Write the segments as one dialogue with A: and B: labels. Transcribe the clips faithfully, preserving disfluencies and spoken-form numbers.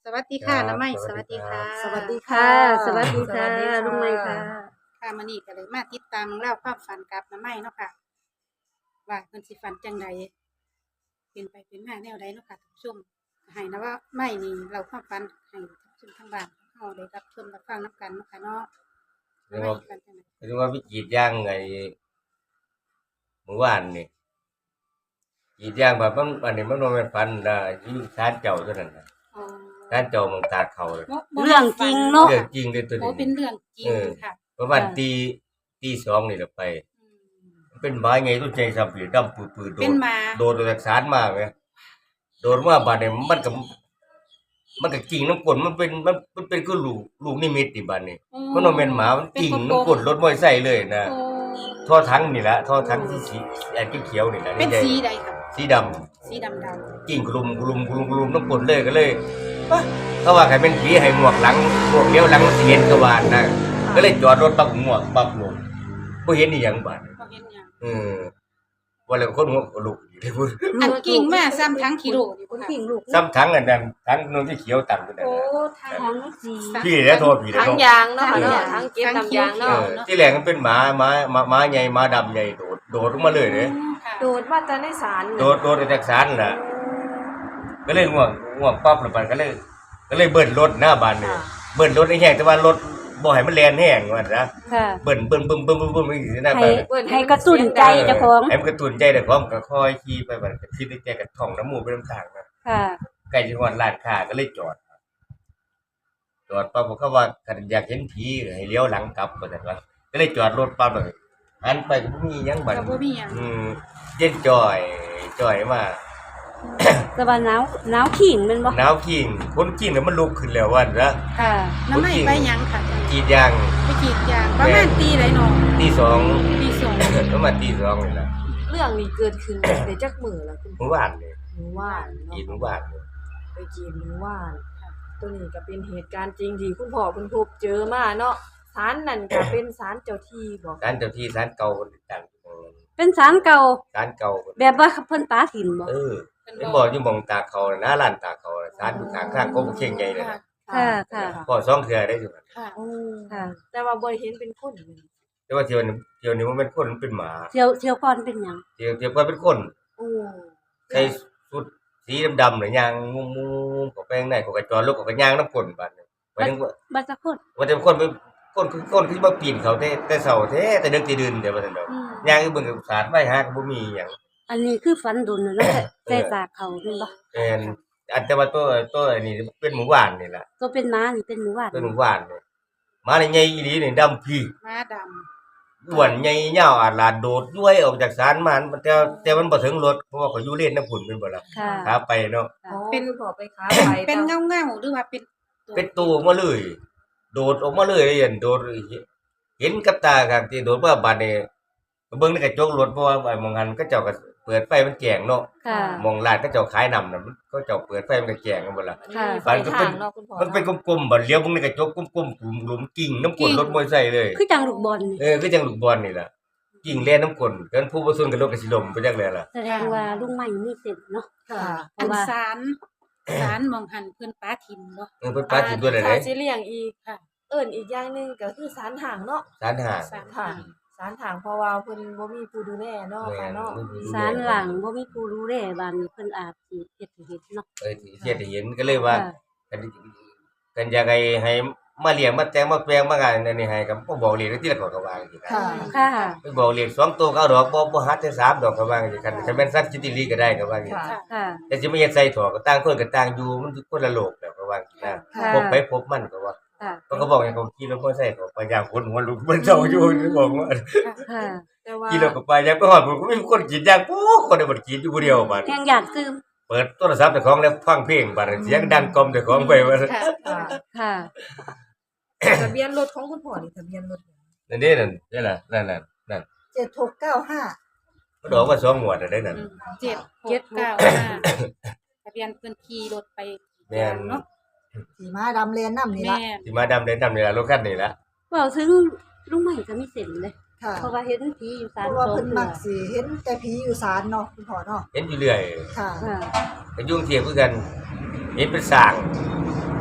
A: สวัสดี
B: ครั
A: ค่ะน้า
B: บ
A: ไม้
B: สวัส
A: สวัสดีค่ะ
B: ดีครับ
C: สวัสดี
D: ค่ะ
C: ค่ะ
D: สวัสดีค่ะ
C: สวัสดีค่ะ
D: ลุงไม้ค่ะ
A: ค่ะมื้อนี้ก็เลยมาติดตามเล่าความฝันกับน้าไม้เนาะค่ะ ว่าเพิ่นสิฝันจังไดเป็นไปเป็นมาแนวใดเนาะค่ะท่านผู้ชมให้นะว่าไม้นี่เล่าความฝันให้ท่านผู้ชมทางบ้านเฮาได้รับชมรับฟังนํกันเนาะค่ะเนาะ
B: เรียก
A: ไม้
B: ว่า
A: ฝันจังได
B: เรียกว่าไปกรีดยางไงเมื่อวานนี่กรีดยางแบบมันอันนี้มันบ่แม่นฟันได้อยู่ศาลเจ้าเท่านั้นน่ะ
A: อ๋อ
B: ศาลเจ้าเมืองตากเขาเลย
A: บ่บ่
D: เรื่องจริงเนาะ
B: เรื่องจริงเด้อตัว
A: โอ้
B: นี้
A: เป็นเรื่องจริง
B: เออ
A: ค่ะ
B: ประมาณ
D: ค่ะ
B: ตีตีสองนี่แหละไป
A: อืม
B: มันเป็นไม้ไงต้นใจสับปีดำปืดๆโด
A: เป็
B: ด
A: นหมา
B: โดดออกจากศาลมาแหมโดดมาบาดนี้มันก็มันก็กิ่งน้ำกลนมันเป็นมันมันเป็นคือลูกลูกนิมิตนี่บาดนี้
A: อ๋อ
B: มันบ่แม่นหมามันกิ่ง
A: เป็น
B: น้ำกลนรถมอเตอร์ไซค์เลยนะ
A: โอ้
B: ท่อทั้งนี่แหละท่อทั้งที่สีแอนเขียวๆนี่แหละ
A: เป็น
B: ใหญ่
A: สีใดค่ะ
B: สีดำ
A: สีดำๆ
B: กิ่งกลุ่มกลุ่มกลุ่มกลุ่มน้ำปนเลยก็เลยปะเขาว่าใครเป็นผีให้หมวกหลังหมวกเลี้ยวหลังสิเห็นกวาดนะก็เลยจอดรถปักหมวกปักลงบ่เห็นอีหยังบาด
A: บ่เห็นหยัง
B: เออว่าแล้วคนหัวลุกอยู่เลยพุ่น
A: อันกิ่งมาซ้ำทั้งกิโลนี่
D: คุ
A: บ่
D: ณ
A: ค่ะ
D: ผิงลูก
B: ซ้ำทั้งอันนั้นทั้งนนที่เขียวตังกันนั่น
C: โอ้
B: น่ะ
C: ทาง
D: ทั้งสี
B: พี่แล้วโทษพี่แล้ว
C: ทาง
B: โทษ
C: ยางเนาะค่ะเนาะทางเก็บน้ำยาง
B: เอ
C: เนาะ
B: อที่แรกมันเป็นหมาหมาหมาหมาใหญ่หมาดำใหญ่โดดโดดลงมาเลยเด้
A: ค่ะ
C: โดดมาแต่ในศาล
B: โดดโดดออกจากศาลน่ะก็เลยง่วงง่วงปั๊บแล้วมันก็เลย ก็เลยเบิ้ลรถหน้าบ้านนี่เบิ้ลรถไอ้แห้งแต่ว่ารถบ่ให้มันแล่นแห้งว่าซะ
D: ค่ะ
B: เบิ้ลเบิ้ลบึ้มบึ้มบึ้มบึ้มอีกหน้า
D: ให้
B: บ้าน
D: ให้กระตุ้นใจเจ้าของ
B: ให้มันกระตุ้นใจแต่ของก็ค่อยขี่ไปบัดก็คิดในใจก็ท่องน้ำมูกไปน้ำทางนะ
D: ค่ะ
B: ใกล้จะฮอดร้านค้าก็เลยจอดจอดปั๊บเขาว่าคันอยากเห็นผีก็ให้เลี้ยวหลังกลับว่าซั่นว่าก็เลยจอดรถปั๊บเลยหันไปก็บ่มีหยังบัด
A: ก็บ่มีหยัง
B: อืมเย็นจ่อยจ่อยมา
D: แต่ว่าหนาวหนาวขิงแมันบ่
B: หนาวขิงคนขิงน่ะมันลุกขึ้นแล้วว่าซะ
D: ค่ะ
A: น้ำไม่ไปหยังค่ะ
B: กรีดยาง
A: ไปกรีดยางประมาณตีใดเนาะ
B: ตีสอง
A: ตีสอง
B: ประมาณตีสองนี่ล่ะ
C: เรื่องนี้เกิดขึ้นในจักมือแล้วคุณ
B: เมื่อวานนี่
C: หมู่ว่าน
B: กรีด
C: เนาะ
B: เมื่อวานนี่
C: ไปกินหมู่ว่านตัวนี้ก็เป็นเหตุการณ์จริงที่คุณพ่อคุณพบเจอมาเนาะศาลนั่นก็เป็นศาลเจ้าที่บอก
B: ศาลเจ้าที่ศาลเก่าคนต่างๆ
D: เป็นสารเก่า
B: ศาลเก่า
D: แบบว่าเพิ่นปาถิ่นบ่
B: เออเป็นบ่อยู่หม่องตาเขาน่ะนะร้านตาเขาน่ะศาลอยู่ข้างข้างกบเข่งใหญ่เลย
A: ค่ะ
B: นะ
D: ค่ะค่ะ
B: พอสองเทื่อได้อยู่นั่น
A: ค่ะ
C: โอ้
D: ค่ะ
C: แต่ว่าบ่เห็นเป็นคนเลย
B: แต่ว่าเที่ยวนี้เที่ยวนี้มันเป็นคนมันเป็นหมา
D: เที่ยวเที่ยวก่อนเป็นหยัง
B: เที่ยวเที่ยวก็เป็นคน
C: โอ้
B: ใส่ชุดสีดำๆน่ะย่างงุมๆก็ไปข้างในก็กระจอดรถก็กระย่างน้ำก้นบาดนี้ไปถึงว่า
D: บัดสักคน
B: ว่าแต่คนไปคนคือคนคือมาปีนเขาแต่แต่เช้าแท้แต่ดึกแต่ดื่นเดี๋ยวว่าซั่นดอก
A: อืม
B: ย่างอยู่เบิ่งกับสาดไว้หาก็บ่มีหยัง
D: อันนี้คือฝันดุนน่ะเนาะแต่แต่ตากเขาแม่นบ่
B: แม่นอันแต่ว่าตัวตัวอันนี้เป็นหมู่บ้านนี่ล่ะ
D: ตัวเป็นม้านี่เป็นหมู่บ้าน
B: เป็นหมู่บ้านนี่มานี่ใหญ่อีหลีนี่ดำพี่
A: ม้าด
B: อ้วนใหญ่ยาวอาดลาดโดดย้วยออกจากศาลมามันแต่แต่มันบ่ถึงรถเพราะว่าเขาอยู่เลนน้ำพุ่นเป็นบ่ล่ะ
D: ค่ะ
B: ขาไปเนาะ
C: อ๋อเป็นพ่อไปค้าไป
A: ำเป็นเงาเงาๆหรือว่าเป็นตัว
B: เป็นตัวออกมาเลย โดดออกมาเลยเห็นโดดเห็นกับตาครับที่โดดมาบัดนี้ก็เบิ่งในกระจกรถเพราะว่าไอ้มองหันก็เจ้าก็เปิดไฟมันแจ้งเนาะ
D: ค่ะ
B: มองร้านก็เจ้าขายน้ำน่ะมันก็เจ้าเปิดไฟมันก็แจ้งกันบ่ล่ะ
D: ค่ะ
C: ไฟทางเนาะคุณพ่อ
B: มันเป็นกลมๆบ่เลี้ยวเบิ่งในกระจกกลมๆกลุ่มหลุมกิ่งน้ำกลนรถมอเตอร์ไซค์เลย
D: คือจังลูกบอลนี่
B: เออคือจังลูกบอลนี่ล่ะกิ่งแล่นน้ำกลนเกินผู้บ่ซุนกับรถก็สิล้มไปจังได๋ล่ะ
D: แสดงว่าลุงไม้มีเส้นเนาะ
C: ค่ะ
D: เพ
A: อั
D: ราะ
A: น
D: ว่า
A: สารสารมองหันเพิ่นป้าทิมเนาะ
B: เออเพิ่นปาถิ่นตัวใด
C: ถ้าสิเลี้ยงอีก
A: ค่ะ
C: เอิ้นอีกอย่างหนึงก็คือศาลห่างเนาะ
B: ศาลหา
A: สาร
C: ค่ะ
A: ห่าง
C: ศาลห่างเพราะว่าเพิ่นบ่มีผู้ดูแลเนาะค่ะเนาะ
D: สารหลังบ่มีผู้รู้แลบ้านนี้เพิ่นอาจสิเฮ็ดให้เฮ็ดเนาะ
B: เออที่เฮ็ดให้เห็นก็เลยว่า
D: ค่ะ
B: กันกันอยากให้ให้มาเลี้ยงมาแต่งมาแปลงมางานอันนี้ให้ก็บ่บอกเลขที่ละก็ก็ว่าจังซี่นะ
C: ค่ะ
D: ค่ะ
B: ไปบอกเลขสองตัวก็เอาดอกบ่บ่หัดแต่สามดอกก็ว่าจังซี่คันคันแม่นสัตว์จิตลีก็ได้ก็ว่าจังซี่
C: ค่ะ
A: ค่ะ
D: ค่ะ
B: แต่สิมาเฮ็ดใส่ถั่วก็ต่างคนก็ต่างอยู่มันคนละโลกแล้วก็ว่าจังซี่นะ
D: ค่ะ
B: พบไปพบมันก็ว่า
D: ค่ะ
B: เขาก็บอกให้เขาขี่รถมอเตอร์ไซค์เขาไปยามคนหัวลุกมันเจ้าอยู่บอกว่า
D: ค่ะ
C: แต่ว่า
B: ขี่รถก็ไปยามไปฮอดผมก็มีคนกรีดยางปุ๊บคนได้บ่กรีดอยู่ผู้เดียวบัด
D: แห่งอยากซื้อ
B: เปิดโทรศัพท์เจ้าของแล้วฟังเพลงบัดเสียงดังกล่อมเจ้าของไปว่า
A: ค่ะ
C: ค่ะ
D: ค่ะ
C: ทะเบียนรถของคุณพ่อนี่ทะเบียนรถ
B: นั่นเด้นั่นนั่นล่ะนั่นน่ะนั่น
C: เจ็ดหกเก้าห้า
B: มันออกมาสองงวดแล้วได้นั่น
A: อืมเจ็ดเจ็ดเก้าห้าทะเบียนเพิ่นขี่รถไป
B: แม่น
A: เนาะ
C: สีม้าดำเลนน้ำนี่ละ
A: แม่น
B: สิมาดำเดินดำนี่ล่ะรถคันนี้ล่ะ
D: เว้าถึงลุงไม้ก็มีเส้นเลย
C: ค่ะ
D: เพราะว่าเห็นผีอยู่
C: เพ
D: ศาล
C: ราะ
D: ส
C: ว่า
D: อง
C: เพิ่น
D: เทื่
C: มั
D: อก
C: สิเห็นแต่ผีอยู่ศาลเนาะคุณพ่อเนาะ
B: เห็นอยู่เรื่อย
C: ค่ะ
D: ค่ะ
B: ก็ยุ่งเทียบคือกัน เห็นเป็นสร้าง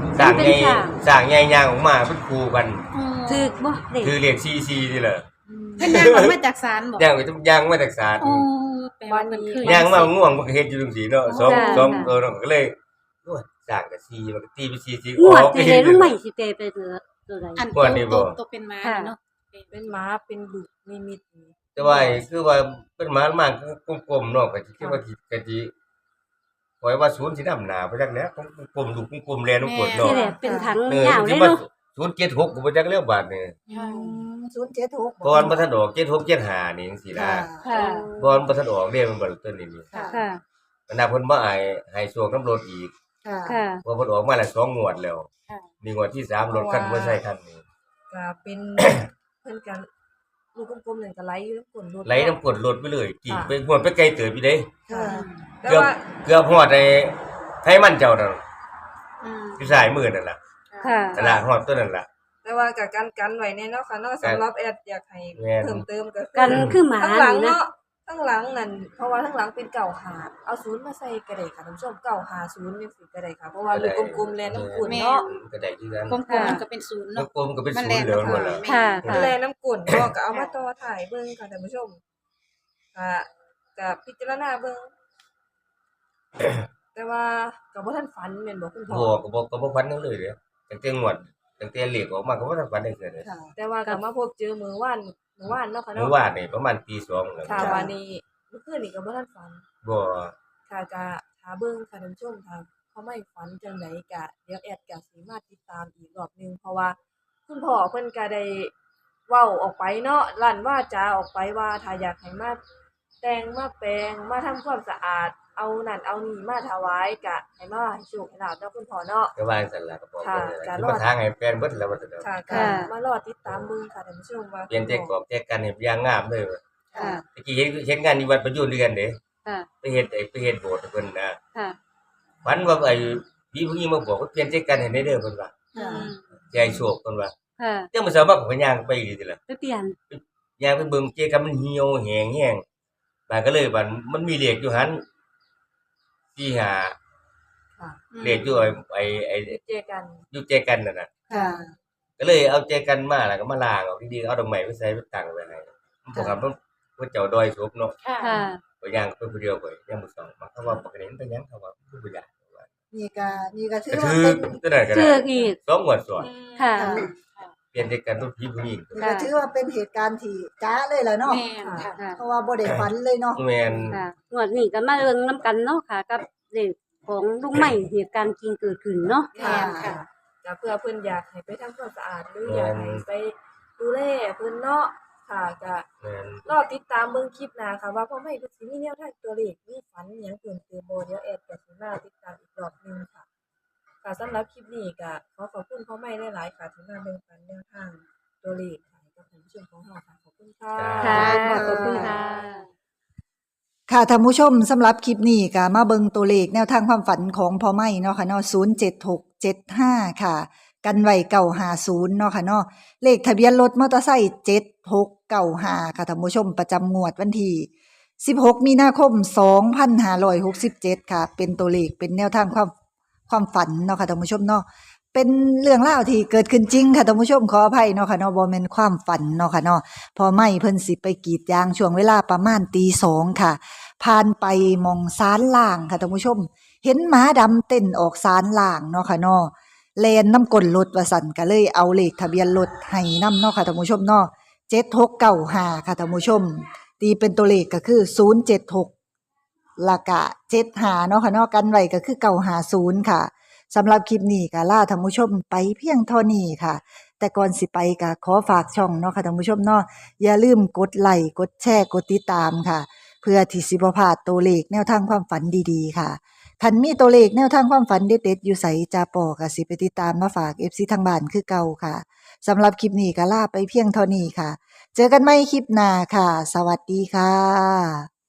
B: สร้าง
D: เป็
B: ให
D: น
B: ญ่
D: สร้าง
B: สร้างใหญ่ย่างออกมาเป็นครูกัน
A: อืม
D: ถูกบ่เด็ก
B: คือเรียกซีซีนี่แหละ
A: เพิ่นย่างออกมาจากศาลบ่
B: ย่างไปย่างมาจากศาล
A: โอ้แปลว่าเพิ่นคือย่าง
B: มาง่วงมันก็เฮ็ดอยู่จังซี่เนาะสอง
D: ค่ะ
B: สองตัวเนาะก็เลยโอ้ยสร้างก็ซีมันก็ตีเป็นซีซี
D: งวดที่ได้ลุงใหม่สิเปไปเหลือตัวใด
A: อัน
B: งวดนี้บ่
A: โตโตเป็นม้านี่เนาะ
C: เป็นหมาเป็นลูกนิมิตนี่
B: แต่ว่าคือว่าเป็นหมามากกลมๆเนาะก็สิคิดว่าสิก็สิปล่อยว่าศูนย์สินำหน้าไปจักแล้วกลมๆลูกกลมๆแลนกด
D: ที่
B: เนาะ
D: แหละเป็นถัง
B: เออย
D: าวเล
B: สิ
D: ย
B: มา
D: เนาะ
B: ศูนย์เจ็ดหกก็บ่จักแล้วบาดนี้
A: ค่ะ
E: ศูนย์เจ็ดหก
B: เพราะว่ามันบ่ทันออกเจ็ดหกเจ็ดห้านี่จังซี่นะ
E: ค่ะ
C: ค่ะ
B: บ่มันบ่ทันออกเด้มันบ่ตัวนี้นี่
E: ค่ะ
D: ค่ะ
B: มันน่าเพิ่นบ่ให้ให้สวกน้ำรถอีก
E: ค่ะ
D: ค่ะ
B: เพราะเพิ่นออกมาแล้วสองงวดแล้ว
A: ค่ะ
B: นี่งวดที่สามรถคันบ่ใช่คันนี้
C: ก็เป็น เพิ่นกันลูกกลมๆนั่นก็ไหลอยู่น้ำก้นรถ
B: ไหลน้ำกรดรถไปเลยกิ่งไปงวดไปไกลเติบอยู่เด้
E: ค่ะ
C: แต่
B: เกือบ
C: ว่า
B: เกือบฮอดไอ้ไทมันเจ้านั่น
A: อืม
B: อยู่ซ้ายมือนั่นล่ะ
D: ค่ะ
B: นั่นล่ะฮอดตัวนั่นล่ะ
C: แต่ว่าก็กันกันไว้แน่เนาะค่ะเนาะสำหรับแอดอยากให้
B: แม่น
C: เพิ่มเติมก็
D: กันคือหมา
C: ข้างหลัง
D: นี่นะ
C: เนาะข้างหลังนั่นเพราะว่าข้างหลังเป็นเก่าหาเอาศูนย์มาใส่ก็ได้ค่ะท่านผู้ชมเก่าหาศูนย์จังซี่ก็ได้ค่ะเพราะว่าลูกกลมๆแลน้ำก้นเนาะ
B: ก็ได้คือกัน
A: กลมๆมันก็เป็นศูนย์
B: ลู
A: เนาะ
B: กกลมก็เป็น
A: มัน
B: ศูนย์เหลือหมดแล้ว
D: ค่ะ
C: มัน
D: ค่ะ
C: แลน้ำก้นเนาะก็เอามาต่อถ่ายเบิ่งค่ะท่านผู้ชมก็ก็พิจารณาเบิ่ง แต่ว่าก็บ่ทันฝันแม่นบ่คุณพ่อ
B: บ่ก็บ่ก็บ่ฟันยังเลยเด้ตั้งแต่งวดตั้งแต่เลขออกมาก็บ่ทันฟันได้เกิดเลย
E: ค่ะ
C: แต่ว่าก็มาพบเจอมื้อวานมื้อวานเนาะค่ะ
B: เมื่
C: เนาะ
B: อวานนี่ประมาณตีสองแล้ว
C: ค่ะวันนี้เมื่อคืนนี่ก็บ่ทันฝัน
B: บ่
C: ค่ะก็หาเบิ่งค่ะท่านผู้ชมถ้าเขาไม่ฝันจังไดก็เดี๋ยวแอดก็สิมาติดตามอีกรอบหนึงเพราะว่าคุณพ่อเพิ่นก็ได้เว้าออกไปเนาะลั่นวาจาออกไปว่าถ้าอยากให้มาแต่งมาแปรงมาทำความสะอาดเอานั่นเอานี่มาถวายก็ให้มาให้โชคให้ลาบเนาะคุณพ่อเนาะ
B: ก็ว่าจังซั่นล่ะก็บอก
C: ค่ะ
B: ว่า
C: การ
B: สิ
C: รอ
B: มา
C: ด
B: ทางให้แฟนเบิดแล้วว่าซั่นเด้อ
C: ค่ะก็
D: ค่ะ
C: มารอติดตามเบิ่งค่ะท่านผู้ชมว่า
B: เปลี่ยนใจกรอบใจกันเฮ็ดอย่างงามเลยว่ะ
D: ค่ะ
B: ตะกี้เฮ็ดเฮ็ดงานอยู่วัดประยูนด้วยกันเด้
D: ค่ะ
B: ไปเฮ็ดไอ้ไปเฮ็ดโบสถ์ให้เพิ่นนะ
D: ค่ะ
B: ฝันว่าไอ้พี่ผู้หญิงมาบอกว่าเปลี่ยนใจกันให้ได้เด้อเพิ่นว่า
A: อืม
B: ใจโชคเพิ่นว่า
D: ค่ะ
B: จังมื้อเช้ามาก็ย่างไปอีกทีล่ะ
D: ไปเปลี่ยน
B: ย่างไปเบิ่งเจกันมันเหี่ยวแห้งแห้งบาดก็เลยบัดมันมีเลขอยู่หั่นสี่ห้า
C: ค่ะ
B: เลขอยู่ไอ้ไอ้ไอ้
C: เจอกัน
B: อยู่เจกันนั่นน่ะ
E: ค่ะ
B: ก็เลยเอาเจกันมาแล้วก็มาล้างเอาดีๆเอาดอกไม้ไปใส่ไปตั้งไว้ให้มันบ่ครับมันเพิ่นเจ้าดอยศพเนาะ
A: ค่ะ
D: ค่ะ
B: ก็ย่างไปผู้เดียวไปย่างมื้อสองมาเขาว่าปกติมันเป็นหยังเขาว่าบ่อยากว่า
E: นี่ก็นี่ก็ถือ
B: ก็
E: ว่า
B: ถือ
E: เป็น
B: ตัวนั้นก็
D: เจ
B: ได้
D: ออีก
B: สองงวดซ้อน
D: ค่ะ
B: เปลี่ยนใจกันรุ่นพี่ผู้หญิง
E: นี่ก็ถือว่าเป็นเหตุการณ์ที่จ้าเลยล่ะเนาะ
A: แม่นค่ะ
D: ค่ะ
E: เพราะว่าบ่ได้ฝันเลยเนาะ
B: แม่น
D: ค่ะงวดนี้ก็มาเรื่องน้ำกันเนาะค่ะ กับเด็กของลุงใหม่เหตุการณ์จริงเกิดขึ้นเนาะ
A: แม่นค่ะ
C: ก็เพื่อเพิ่นอยากให้ไปทำความสะอาดหรืออยากให้ไปดูแลเพิ่นเนาะค่ะก็
B: แม่น
C: รอติดตามเบิ่งคลิปหน้าค่ะว่าพ่อแม่เพิ่นสิมีแนวทางตัวเลขมีฝันอิหยังเพิ่มเติมบ่เดี๋ยวแอดก็สิมาติดตามอีกรอบหนึงค่ะค่ะสำหรับคลิปนี้ก็ขอขอบคุณพ่อแม่หลายๆค่ะที่มาแบ่งปันแนวทางตัวเลขให้กับท่านผู้ชมของเราค่ะขอบคุณค่ะ
D: ค่ะ ขอบคุณค่ะ
E: ค่ะท่านผู้ชมสำหรับคลิปนี้ก็มาเบิ่งตัวเลขแนวทางความฝันของพ่อไม้เนาะค่ะเนาะศูนย์ เจ็ด หก เจ็ด ห้าค่ะ กันไว้เก้าห้าศูนย์เนาะค่ะเนาะเลขทะเบียนรถมอเตอร์ไซค์เจ็ด หก เก้า ห้าค่ะท่านผู้ชมประจำงวดวันที่สิบหกมีนาคมสองพันห้าร้อยหกสิบเจ็ดค่ะ เป็นตัวเลขเป็นแนวทางความความฝันเนาะค่ะท่านผู้ชมเนาะเป็นเรื่องราวที่เกิดขึ้นจริงค่ะท่านผู้ชมขออภัยเนาะค่ะเนาะบ่แม่นความฝันเนาะค่ะเนาะพอไม่เพิ่นสิไปกรีดยางช่วงเวลาประมาณตีสองค่ะผ่านไปมองศาลล่างค่ะท่านผู้ชม เห็นหมาดำเต้นออกศาลล่างเนาะค่ะเนาะแลนน้ำก้นรถว่าสั่นก็เลยเอาเลขทะเบียนรถให้นำเนาะค่ะท่านผู้ชมเนาะเจ็ด หก เก้า ห้าค่ะท่านผู้ชม ตีเป็นตัวเลขก็คือศูนย์ เจ็ด หกละกะเจ็ด ห้าเนาะค่ะเนาะกันไว้ก็คือเก้าห้าศูนย์ค่ะสำหรับคลิปนี้ก็ลาท่านผู้ชมไปเพียงเท่านี้ค่ะ แต่ก่อนสิไปก็ขอฝากช่องเนาะค่ะท่านผู้ชมเนาะอย่าลืมกดไลค์กดแชร์กดติดตามค่ะ เพื่อที่สิบ่พลาดตัวเลขแนวทางความฝันดีๆค่ะคันมีตัวเลขแนวทางความฝันเด็ดๆอยู่ไสจาปอก็สิไปติดตามมาฝาก เอฟ ซี ทางบ้านคือเก่าค่ะสำหรับคลิปนี้ก็ลาไปเพียงเท่านี้ค่ะ เจอกันใหม่คลิปหน้าค่ะ สวัสดีค่ะ